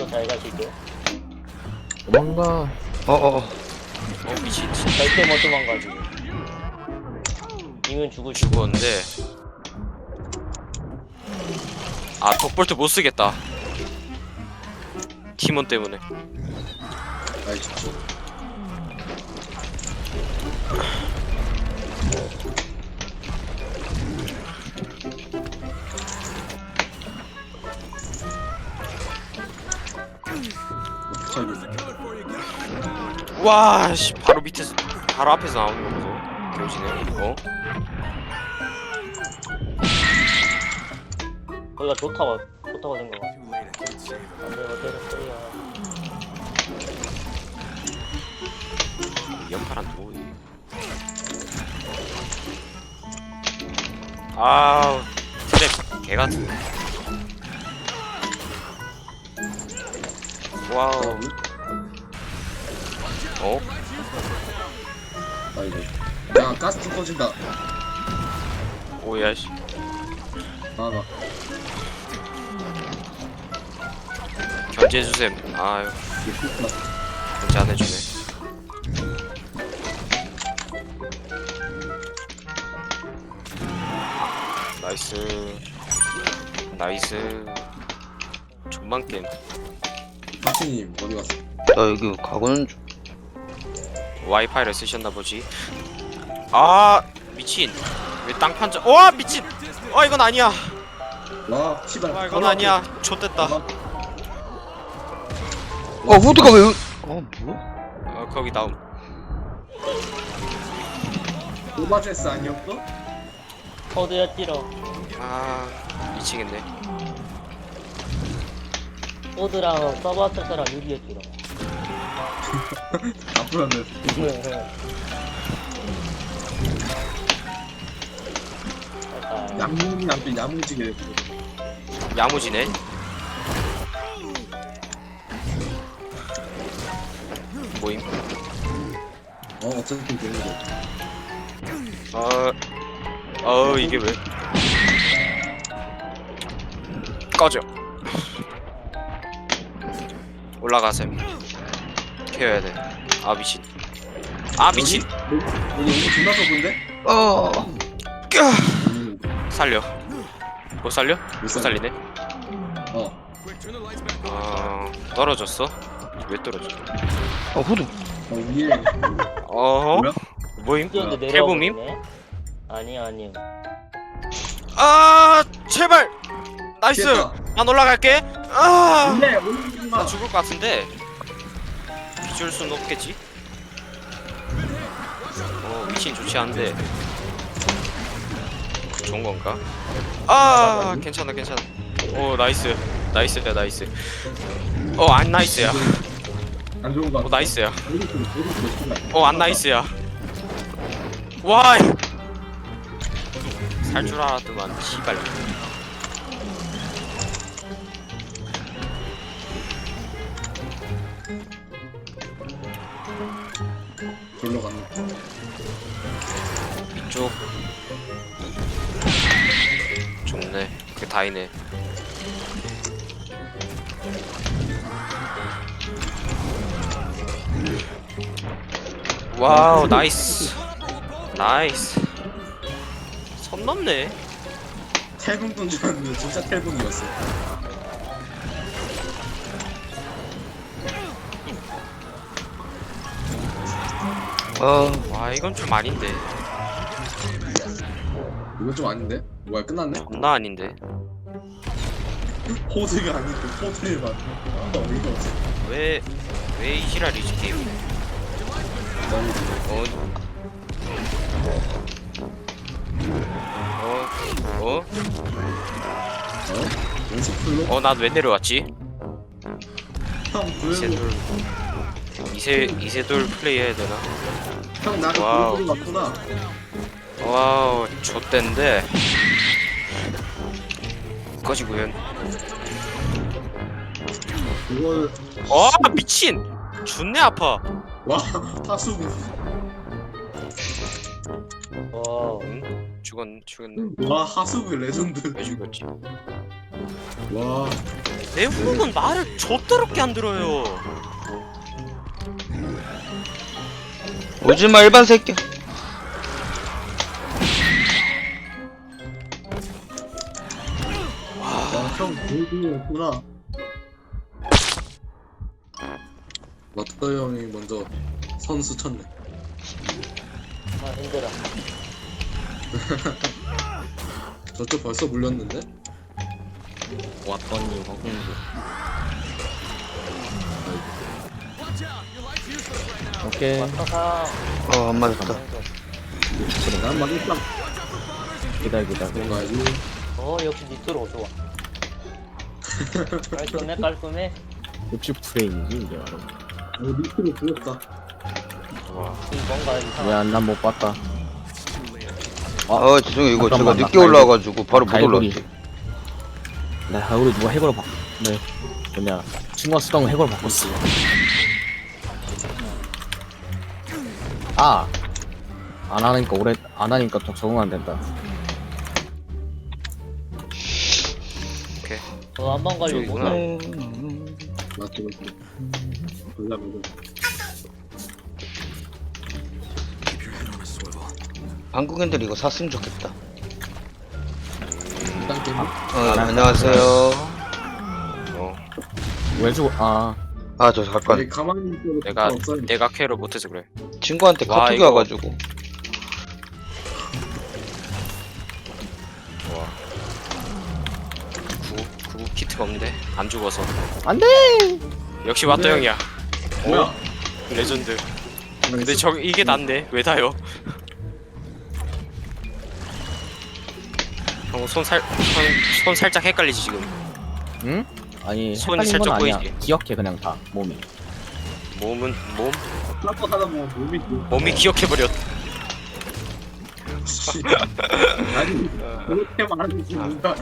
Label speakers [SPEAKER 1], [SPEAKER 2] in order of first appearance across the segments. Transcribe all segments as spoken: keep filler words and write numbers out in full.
[SPEAKER 1] 잘 가시고.
[SPEAKER 2] 도망가.
[SPEAKER 3] 어어어.
[SPEAKER 4] 어 미친
[SPEAKER 1] 절대 못 도망가지. 이면 죽을 수.
[SPEAKER 4] 죽었는데. 아 덕볼트 못 쓰겠다. 팀원 때문에.
[SPEAKER 3] 아이 좋죠.
[SPEAKER 4] 와, 씨, 바로 밑에서, 바로 앞에서 나오는 거 보소. 교지네. 어?
[SPEAKER 1] 거기가 좋다고 좋다고 생각하. 안돼 어때는 소리야.
[SPEAKER 4] 연파란 도이. 아우, 트랩 개 같은. 와우. 어?
[SPEAKER 3] 아 이거. 야 가스 좀 꺼진다.
[SPEAKER 4] 오야 씨.
[SPEAKER 3] 아나.
[SPEAKER 4] 견제 주셈. 아유, 견제 안 해주네. 나이스. 나이스. 존만 게임.
[SPEAKER 3] 박진님 어디 갔어?
[SPEAKER 2] 나 여기 가고는 중.
[SPEAKER 4] 와이파이를 쓰셨나 보지. 아 미친. 왜 땅판자? 와 미친. 아 이건 아니야.
[SPEAKER 3] 와 씨발.
[SPEAKER 4] 아 이건 아니야. 좆됐다.
[SPEAKER 2] 어 후드가 왜? 어 뭐야?
[SPEAKER 4] 어 거기 나옴.
[SPEAKER 3] 오버드레스 아니었어?
[SPEAKER 1] 코드였지로.
[SPEAKER 4] 아 미치겠네.
[SPEAKER 1] 코드랑 서버스랑 유리였지로.
[SPEAKER 3] 앞으로는 양궁이 남편 야무지게.
[SPEAKER 4] 야무지네. 모임.
[SPEAKER 3] 어 어쨌든 되는 거.
[SPEAKER 4] 어. 어 이게 왜? 꺼져. 올라가셈. 케어야 돼. 아 미친. 아 미친.
[SPEAKER 3] 여기 여기 존나 좁은데?
[SPEAKER 2] 어.
[SPEAKER 3] 음.
[SPEAKER 4] 살려. 못 살려?
[SPEAKER 3] 못
[SPEAKER 4] 못
[SPEAKER 3] 살려.
[SPEAKER 4] 살리네.
[SPEAKER 3] 어.
[SPEAKER 4] 어 떨어졌어? 왜 떨어져?
[SPEAKER 2] 어 후드.
[SPEAKER 3] 어 위에.
[SPEAKER 4] 어허?
[SPEAKER 3] 뭐야?
[SPEAKER 4] 모임?
[SPEAKER 1] 뛰었는데
[SPEAKER 4] 태범임?
[SPEAKER 1] 내려오네. 아니 아니.
[SPEAKER 4] 아 제발. 나이스.
[SPEAKER 3] 피했다.
[SPEAKER 4] 난 올라갈게. 아.
[SPEAKER 3] 근데 올리지 마.
[SPEAKER 4] 나 죽을 것 같은데 비줄 수는 없겠지? 어 미친 좋지 않은데 좋은 건가? 아 괜찮아 괜찮아. 오 나이스 나이스야 나이스. 어 안 나이스야.
[SPEAKER 3] 안 좋은 거
[SPEAKER 4] 어
[SPEAKER 3] 같아.
[SPEAKER 4] 나이스야.
[SPEAKER 3] 어디
[SPEAKER 4] 어 안 나이스야. 와. 살 줄 알았더만 씨발.
[SPEAKER 3] 돌로 갔네.
[SPEAKER 4] 이쪽 좋네. 그게 다이네. 와우 나이스 나이스. 선 넘네.
[SPEAKER 3] 탈북돈 줄 알았는데 진짜 탈북이었어.
[SPEAKER 2] 어.
[SPEAKER 4] 와 이건 좀 아닌데.
[SPEAKER 3] 이건 좀 아닌데? 뭐야 끝났네?
[SPEAKER 4] 존나 아닌데.
[SPEAKER 3] 호드가 아니고 호드를 맞네. 아, 어이가 없어.
[SPEAKER 4] 왜 왜 이 지랄이지 게임이?
[SPEAKER 3] 너무
[SPEAKER 4] 어? 어? 어?
[SPEAKER 3] 어? 연습 풀로?
[SPEAKER 4] 어? 난 왜 내려왔지?
[SPEAKER 3] 형
[SPEAKER 4] 이세돌
[SPEAKER 3] 보여줘.
[SPEAKER 4] 이세 이세돌 플레이 해야 되나?
[SPEAKER 3] 형 나를
[SPEAKER 4] 와우.
[SPEAKER 3] 보여주는 거 같구나.
[SPEAKER 4] 와우 좆댄데. 꺼지구연.
[SPEAKER 3] 이걸
[SPEAKER 4] 어 미친. 존내 아파.
[SPEAKER 3] 와 타수구.
[SPEAKER 1] 와 와.
[SPEAKER 4] 응? 죽었 죽었네.
[SPEAKER 3] 와 하수구 레전드.
[SPEAKER 4] 왜 죽었지?
[SPEAKER 3] 와
[SPEAKER 4] 내 후는 말을 좆더럽게 안 들어요.
[SPEAKER 2] 오지마 일반 새끼.
[SPEAKER 3] 형 골드였구나. 마터 형이 먼저 선수 쳤네.
[SPEAKER 1] 아 힘들어.
[SPEAKER 3] 저쪽 벌써 물렸는데?
[SPEAKER 5] 왔더니 허공도. 오케이.
[SPEAKER 1] 왔다가.
[SPEAKER 2] 어 안 맞았다.
[SPEAKER 3] 난 맞았다.
[SPEAKER 5] 기다려 기다려.
[SPEAKER 3] 뭔가지?
[SPEAKER 1] 어 역시 니트로 좋아. 깔끔해 깔끔해.
[SPEAKER 5] 육십 프레임이지 이게 바로.
[SPEAKER 3] 어 밑으로 불렸다.
[SPEAKER 4] 와.
[SPEAKER 1] 이 뭔가 이상.
[SPEAKER 5] 왜안 난 못 봤다.
[SPEAKER 2] 아 죄송해요 이거 제가
[SPEAKER 5] 잠깐만,
[SPEAKER 2] 늦게
[SPEAKER 5] 나
[SPEAKER 2] 올라와가지고 바로 못
[SPEAKER 5] 갈고리.
[SPEAKER 2] 올라왔어.
[SPEAKER 5] 나 우리 누가 해골로 바. 네. 뭐냐. 친구가 쓰던 거 해골로 바꿨어. 아. 안 하니까 오래 안 하니까 더 적응 안 된다.
[SPEAKER 4] 오케이.
[SPEAKER 1] 어 한번 걸리고.
[SPEAKER 4] 저기구나.
[SPEAKER 3] 맞지 맞지. 몰라 몰라.
[SPEAKER 2] 한국인들이 이거 샀으면 좋겠다.
[SPEAKER 3] 일단 게임.
[SPEAKER 2] 어 안녕하세요.
[SPEAKER 4] 어.
[SPEAKER 5] 왜 죽어? 아.
[SPEAKER 2] 아 저 잠깐
[SPEAKER 3] 아니 가만히 있어도
[SPEAKER 4] 내가
[SPEAKER 3] 없어요.
[SPEAKER 4] 내가 캐를 못해서 그래.
[SPEAKER 2] 친구한테
[SPEAKER 4] 와,
[SPEAKER 2] 카톡이
[SPEAKER 4] 이거-
[SPEAKER 2] 와가지고.
[SPEAKER 4] 와. 구구 구구 키트가 없는데 안 죽어서.
[SPEAKER 5] 안 돼.
[SPEAKER 4] 역시 마터
[SPEAKER 3] 네.
[SPEAKER 4] 형이야.
[SPEAKER 3] 뭐야?
[SPEAKER 4] 레전드. 근데 저 이게 난데 왜 다요? 형 손 살 손 손 살짝 헷갈리지 지금.
[SPEAKER 5] 응? 아니
[SPEAKER 4] 손이
[SPEAKER 5] 헷갈린 건
[SPEAKER 4] 살짝
[SPEAKER 5] 아니야.
[SPEAKER 4] 보이지?
[SPEAKER 5] 기억해 그냥 다 몸이.
[SPEAKER 4] 몸은 몸
[SPEAKER 3] 닦고 하다 보면 몸이
[SPEAKER 4] 몸이 기억해 버렸.
[SPEAKER 3] 씨. 아니 그렇게 말하지 뭔가.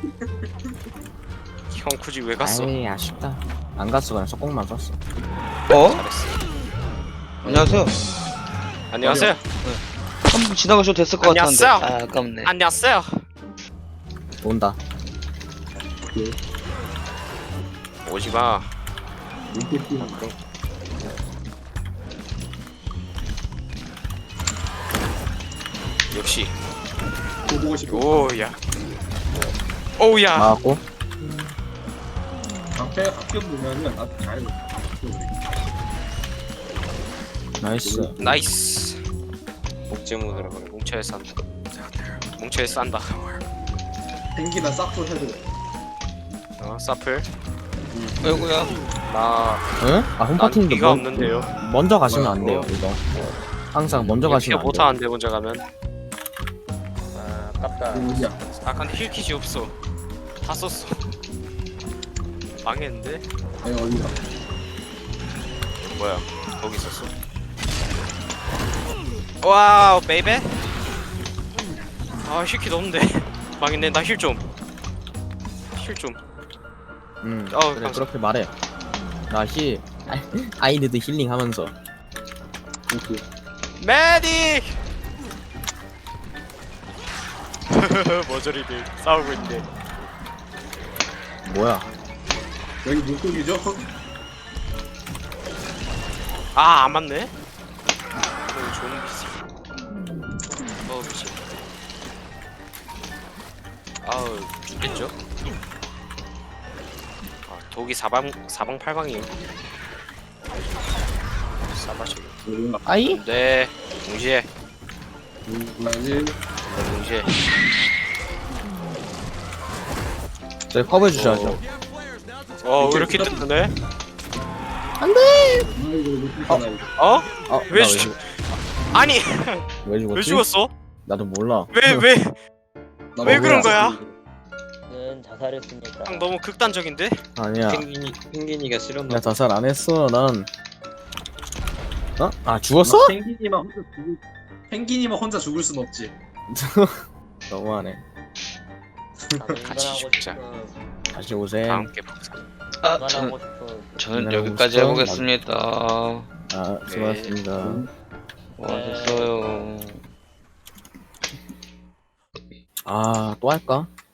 [SPEAKER 4] 형 굳이 왜 갔어?
[SPEAKER 5] 아이 아쉽다. 안 갔어 그냥 속공만 썼어.
[SPEAKER 2] 어?
[SPEAKER 4] 잘했어.
[SPEAKER 2] 안녕하세요.
[SPEAKER 4] 안녕하세요.
[SPEAKER 2] 한번 지나가셔도 됐을 것 같았는데.
[SPEAKER 4] 안녕하세요.
[SPEAKER 2] 아 아깝네.
[SPEAKER 4] 안녕하세요.
[SPEAKER 5] 온다.
[SPEAKER 4] 오지 마. 역시.
[SPEAKER 3] 보고 싶어.
[SPEAKER 4] 오야. 오야.
[SPEAKER 5] 나왔고.
[SPEAKER 3] 앞에 학교 보면은 나도 잘.
[SPEAKER 5] 나이스.
[SPEAKER 4] 나이스. 목재무드라 그래. 뭉쳐에 싼다. 뭉쳐에 싼다.
[SPEAKER 3] 펭기나 싹도 해도 돼.
[SPEAKER 4] 어, 사플.
[SPEAKER 2] 아이고야.
[SPEAKER 4] 나.
[SPEAKER 5] 응? 아
[SPEAKER 4] 난
[SPEAKER 5] 홈파티인데
[SPEAKER 4] 비가
[SPEAKER 5] 먼-
[SPEAKER 4] 없는데요.
[SPEAKER 5] 먼저 가시면 안 돼요
[SPEAKER 4] 어.
[SPEAKER 5] 이거. 항상 먼저
[SPEAKER 4] 피가
[SPEAKER 5] 가시면 안 돼요.
[SPEAKER 4] 못하는데 먼저 가면.
[SPEAKER 1] 아 아깝다.
[SPEAKER 3] 뭐야?
[SPEAKER 4] 아 근데 힐킷이 없어. 다 썼어. 망했는데?
[SPEAKER 3] 아니 어디가?
[SPEAKER 4] 뭐야? 거기 있었어. 와우 베이베. 아 힐킷 없는데. 망했네. 나 힐 좀. 힐 좀.
[SPEAKER 5] 응.
[SPEAKER 4] 어우,
[SPEAKER 5] 그래
[SPEAKER 4] 감사-
[SPEAKER 5] 그렇게 말해. 나 힐. 아이니드 힐링 하면서.
[SPEAKER 4] 메딕! 머저리들 싸우고 있네.
[SPEAKER 5] 뭐야?
[SPEAKER 3] 여기 물고기죠?
[SPEAKER 4] 아, 안 맞네? 어, 좋은 비지. 어, 미친. 아우, 죽겠죠? 아, 독이 사방, 사방팔방이에요. 싸바셔.
[SPEAKER 5] 아이?
[SPEAKER 4] 네, 동시에,
[SPEAKER 3] 나지.
[SPEAKER 4] 동시에.
[SPEAKER 5] 저희 커버 주셔야죠.
[SPEAKER 4] 어, 왜 이렇게 뜨네?
[SPEAKER 3] 아이고 못했잖아 이거.
[SPEAKER 4] 어?
[SPEAKER 5] 어?
[SPEAKER 4] 왜
[SPEAKER 5] 나
[SPEAKER 4] 죽-
[SPEAKER 5] 죽-
[SPEAKER 4] 아니,
[SPEAKER 5] 왜 죽었지?
[SPEAKER 4] 왜 죽었어?
[SPEAKER 5] 나도 몰라.
[SPEAKER 4] 왜, 왜?
[SPEAKER 3] 나
[SPEAKER 4] 왜
[SPEAKER 3] 먹어야
[SPEAKER 4] 그런 거야?
[SPEAKER 3] 돼.
[SPEAKER 1] 는 자살했습니다.
[SPEAKER 4] 형 너무 극단적인데?
[SPEAKER 5] 아니야. 펭귄이 펭귄이가 싫었나? 나 자살 안 했어. 난. 어? 아 죽었어?
[SPEAKER 3] 나 펭귄이만 혼자 죽을. 펭귄이만 혼자 죽을 순 없지.
[SPEAKER 5] 너무하네.
[SPEAKER 1] 나는
[SPEAKER 4] 같이
[SPEAKER 1] 인간하고
[SPEAKER 4] 죽자.
[SPEAKER 1] 싶은,
[SPEAKER 5] 다시 오세요.
[SPEAKER 4] 다음 게 복사.
[SPEAKER 2] 아 저는
[SPEAKER 1] 인간하고 싶은.
[SPEAKER 2] 저는
[SPEAKER 5] 네,
[SPEAKER 2] 여기까지
[SPEAKER 5] 우선
[SPEAKER 2] 해보겠습니다.
[SPEAKER 5] 아 수고하셨습니다.
[SPEAKER 2] 와 됐어요.
[SPEAKER 5] 아, 또 할까?